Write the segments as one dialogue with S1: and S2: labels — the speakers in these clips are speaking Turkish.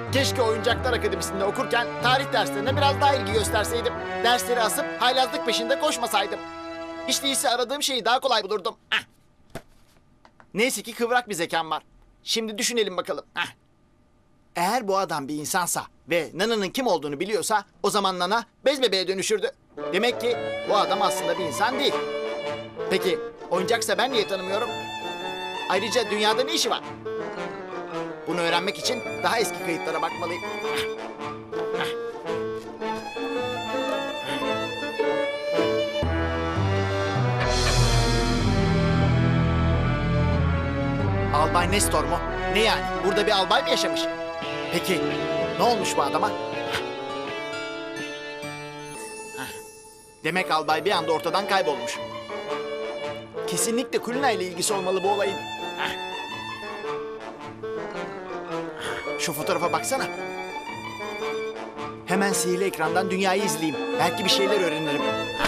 S1: Keşke Oyuncaklar Akademisi'nde okurken tarih derslerine biraz daha ilgi gösterseydim. Dersleri asıp haylazlık peşinde koşmasaydım. Hiç değilse aradığım şeyi daha kolay bulurdum. Hah. Neyse ki kıvrak bir zekam var. Şimdi düşünelim bakalım. Hah. Eğer bu adam bir insansa ve Nana'nın kim olduğunu biliyorsa o zaman Nana bez bebeğe dönüşürdü. Demek ki bu adam aslında bir insan değil. Peki oyuncaksa ben niye tanımıyorum? Ayrıca dünyada ne işi var? Bunu öğrenmek için daha eski kayıtlara bakmalıyım. Albay Nestor mu? Ne yani? Burada bir albay mı yaşamış? Peki ne olmuş bu adama? Demek albay bir anda ortadan kaybolmuş. Kesinlikle Kulina ile ilgisi olmalı bu olayın. Şu fotoğrafa baksana. Hemen sihirli ekrandan dünyayı izleyeyim. Belki bir şeyler öğrenirim.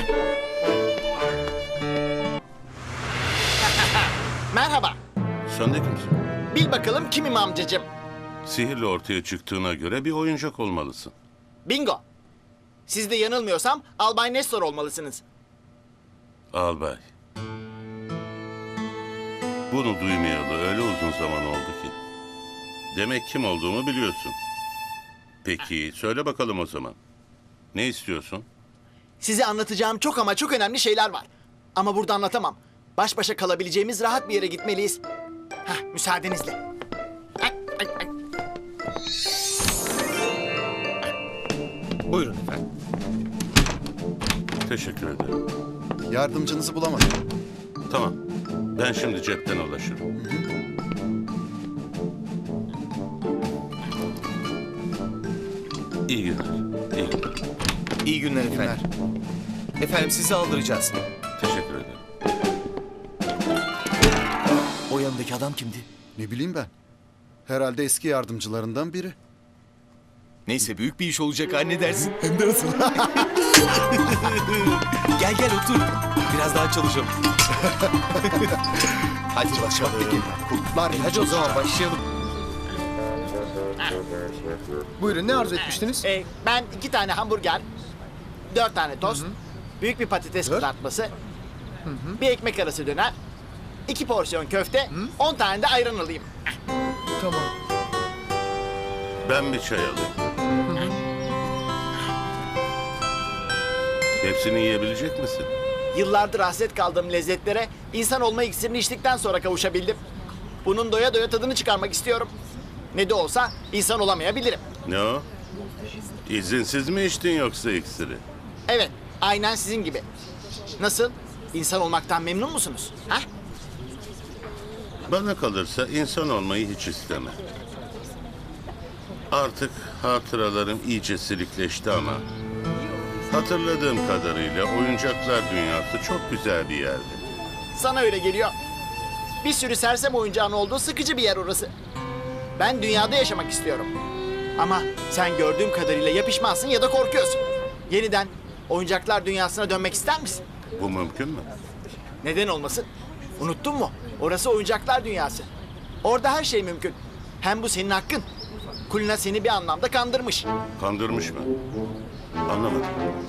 S1: Merhaba.
S2: Sen de kimsin?
S1: Bil bakalım kimim amcacığım?
S2: Sihirle ortaya çıktığına göre bir oyuncak olmalısın.
S1: Bingo. Siz de yanılmıyorsam Albay Nestor olmalısınız.
S2: Albay. Bunu duymayalı öyle uzun zaman oldu ki. Demek kim olduğumu biliyorsun. Peki söyle bakalım o zaman. Ne istiyorsun?
S1: Size anlatacağım çok ama çok önemli şeyler var. Ama burada anlatamam. Baş başa kalabileceğimiz rahat bir yere gitmeliyiz. Müsaadenizle.
S3: Buyurun efendim.
S2: Teşekkür ederim.
S4: Yardımcınızı bulamadım.
S2: Tamam. Ben şimdi cepten ulaşırım. İyi günler. İyi günler.
S3: İyi günler efendim. Efendim sizi aldıracağız.
S2: Teşekkür ederim.
S3: O yanındaki adam kimdi?
S4: Ne bileyim ben. Herhalde eski yardımcılarından biri.
S3: Neyse büyük bir iş olacak anne dersin. Hem de nasıl? Gel gel otur. Biraz daha çalışalım. Hadi başlayalım.
S4: Kurtlar
S3: Hadi o zaman başlayalım.
S5: Buyurun ne arzu etmiştiniz?
S1: Ben 2 tane hamburger, 4 tane tost, büyük bir patates kızartması, bir ekmek arası döner, 2 porsiyon köfte, 10 tane de ayran alayım.
S5: Tamam.
S2: Ben bir çay alayım. Hepsini yiyebilecek misin?
S1: Yıllardır hasret kaldığım lezzetlere insan olma iksirini içtikten sonra kavuşabildim. Bunun doya doya tadını çıkarmak istiyorum. Ne de olsa insan olamayabilirim.
S2: Ne o? İzinsiz mi içtin yoksa iksiri?
S1: Evet, aynen sizin gibi. Nasıl? İnsan olmaktan memnun musunuz? Ha?
S2: Bana kalırsa insan olmayı hiç isteme. Artık hatıralarım iyice silikleşti ama... hatırladığım kadarıyla oyuncaklar dünyası çok güzel bir yerdi.
S1: Sana öyle geliyor. Bir sürü sersem oyuncağın olduğu sıkıcı bir yer orası. Ben dünyada yaşamak istiyorum. Ama sen gördüğüm kadarıyla ya pişmansın ya da korkuyorsun. Yeniden oyuncaklar dünyasına dönmek ister misin?
S2: Bu mümkün mü?
S1: Neden olmasın? Unuttun mu? Orası oyuncaklar dünyası. Orada her şey mümkün. Hem bu senin hakkın. Kulina seni bir anlamda kandırmış.
S2: Kandırmış mı? Anlamadım.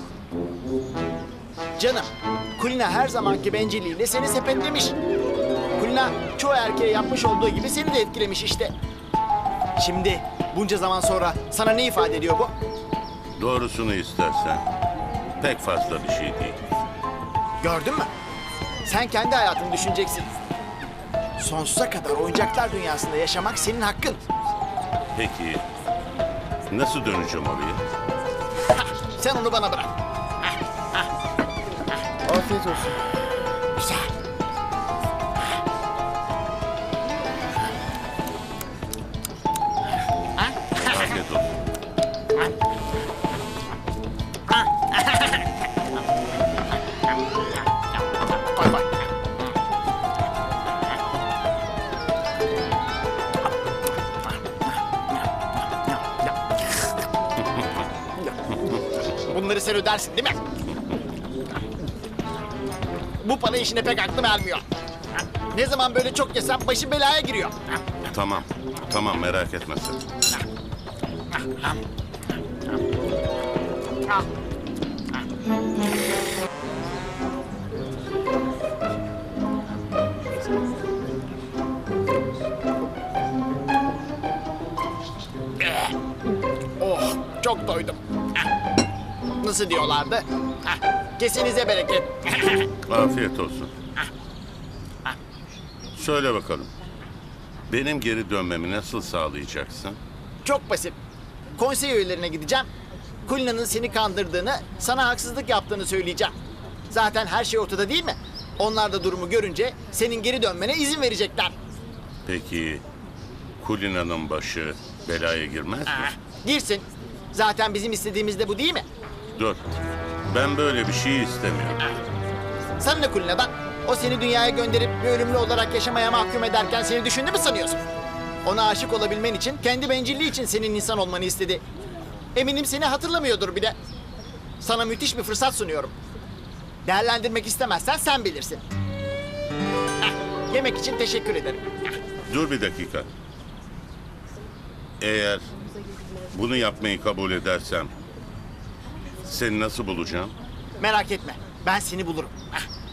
S1: Canım, Kulina her zamanki bencilliğiyle seni sepetlemiş. Kulina çoğu erkeğe yapmış olduğu gibi seni de etkilemiş işte. Şimdi bunca zaman sonra sana ne ifade ediyor bu?
S2: Doğrusunu istersen pek fazla bir şey değil.
S1: Gördün mü? Sen kendi hayatını düşüneceksin. Sonsuza kadar oyuncaklar dünyasında yaşamak senin hakkın.
S2: Peki nasıl döneceğim oraya?
S1: Sen onu bana bırak.
S5: Afiyet olsun.
S1: Güzel.
S2: Afiyet olsun.
S1: Koy koy. Bunları sen ödersin değil mi? Bu para işine pek aklım ermiyor. Ne zaman böyle çok yesem başım belaya giriyor.
S2: Tamam. Tamam merak etme sen.
S1: Oh, çok doydum. Nasıl diyorlardı? Kesinize bereket.
S2: Afiyet olsun. Söyle bakalım. Benim geri dönmemi nasıl sağlayacaksın?
S1: Çok basit. Konsey üyelerine gideceğim. Kulina'nın seni kandırdığını, sana haksızlık yaptığını söyleyeceğim. Zaten her şey ortada değil mi? Onlar da durumu görünce senin geri dönmene izin verecekler.
S2: Peki Kulina'nın başı belaya girmez mi?
S1: Girsin. Zaten bizim istediğimiz de bu değil mi?
S2: Dur. Ben böyle bir şey istemiyorum.
S1: Sana ne Kulina'dan? O seni dünyaya gönderip bir ölümlü olarak yaşamaya mahkum ederken seni düşündü mü sanıyorsun? Ona aşık olabilmen için, kendi bencilliği için senin insan olmanı istedi. Eminim seni hatırlamıyordur bile. Sana müthiş bir fırsat sunuyorum. Değerlendirmek istemezsen sen bilirsin. Yemek için teşekkür ederim.
S2: Dur bir dakika. Eğer bunu yapmayı kabul edersem seni nasıl bulacağım?
S1: Merak etme, ben seni bulurum.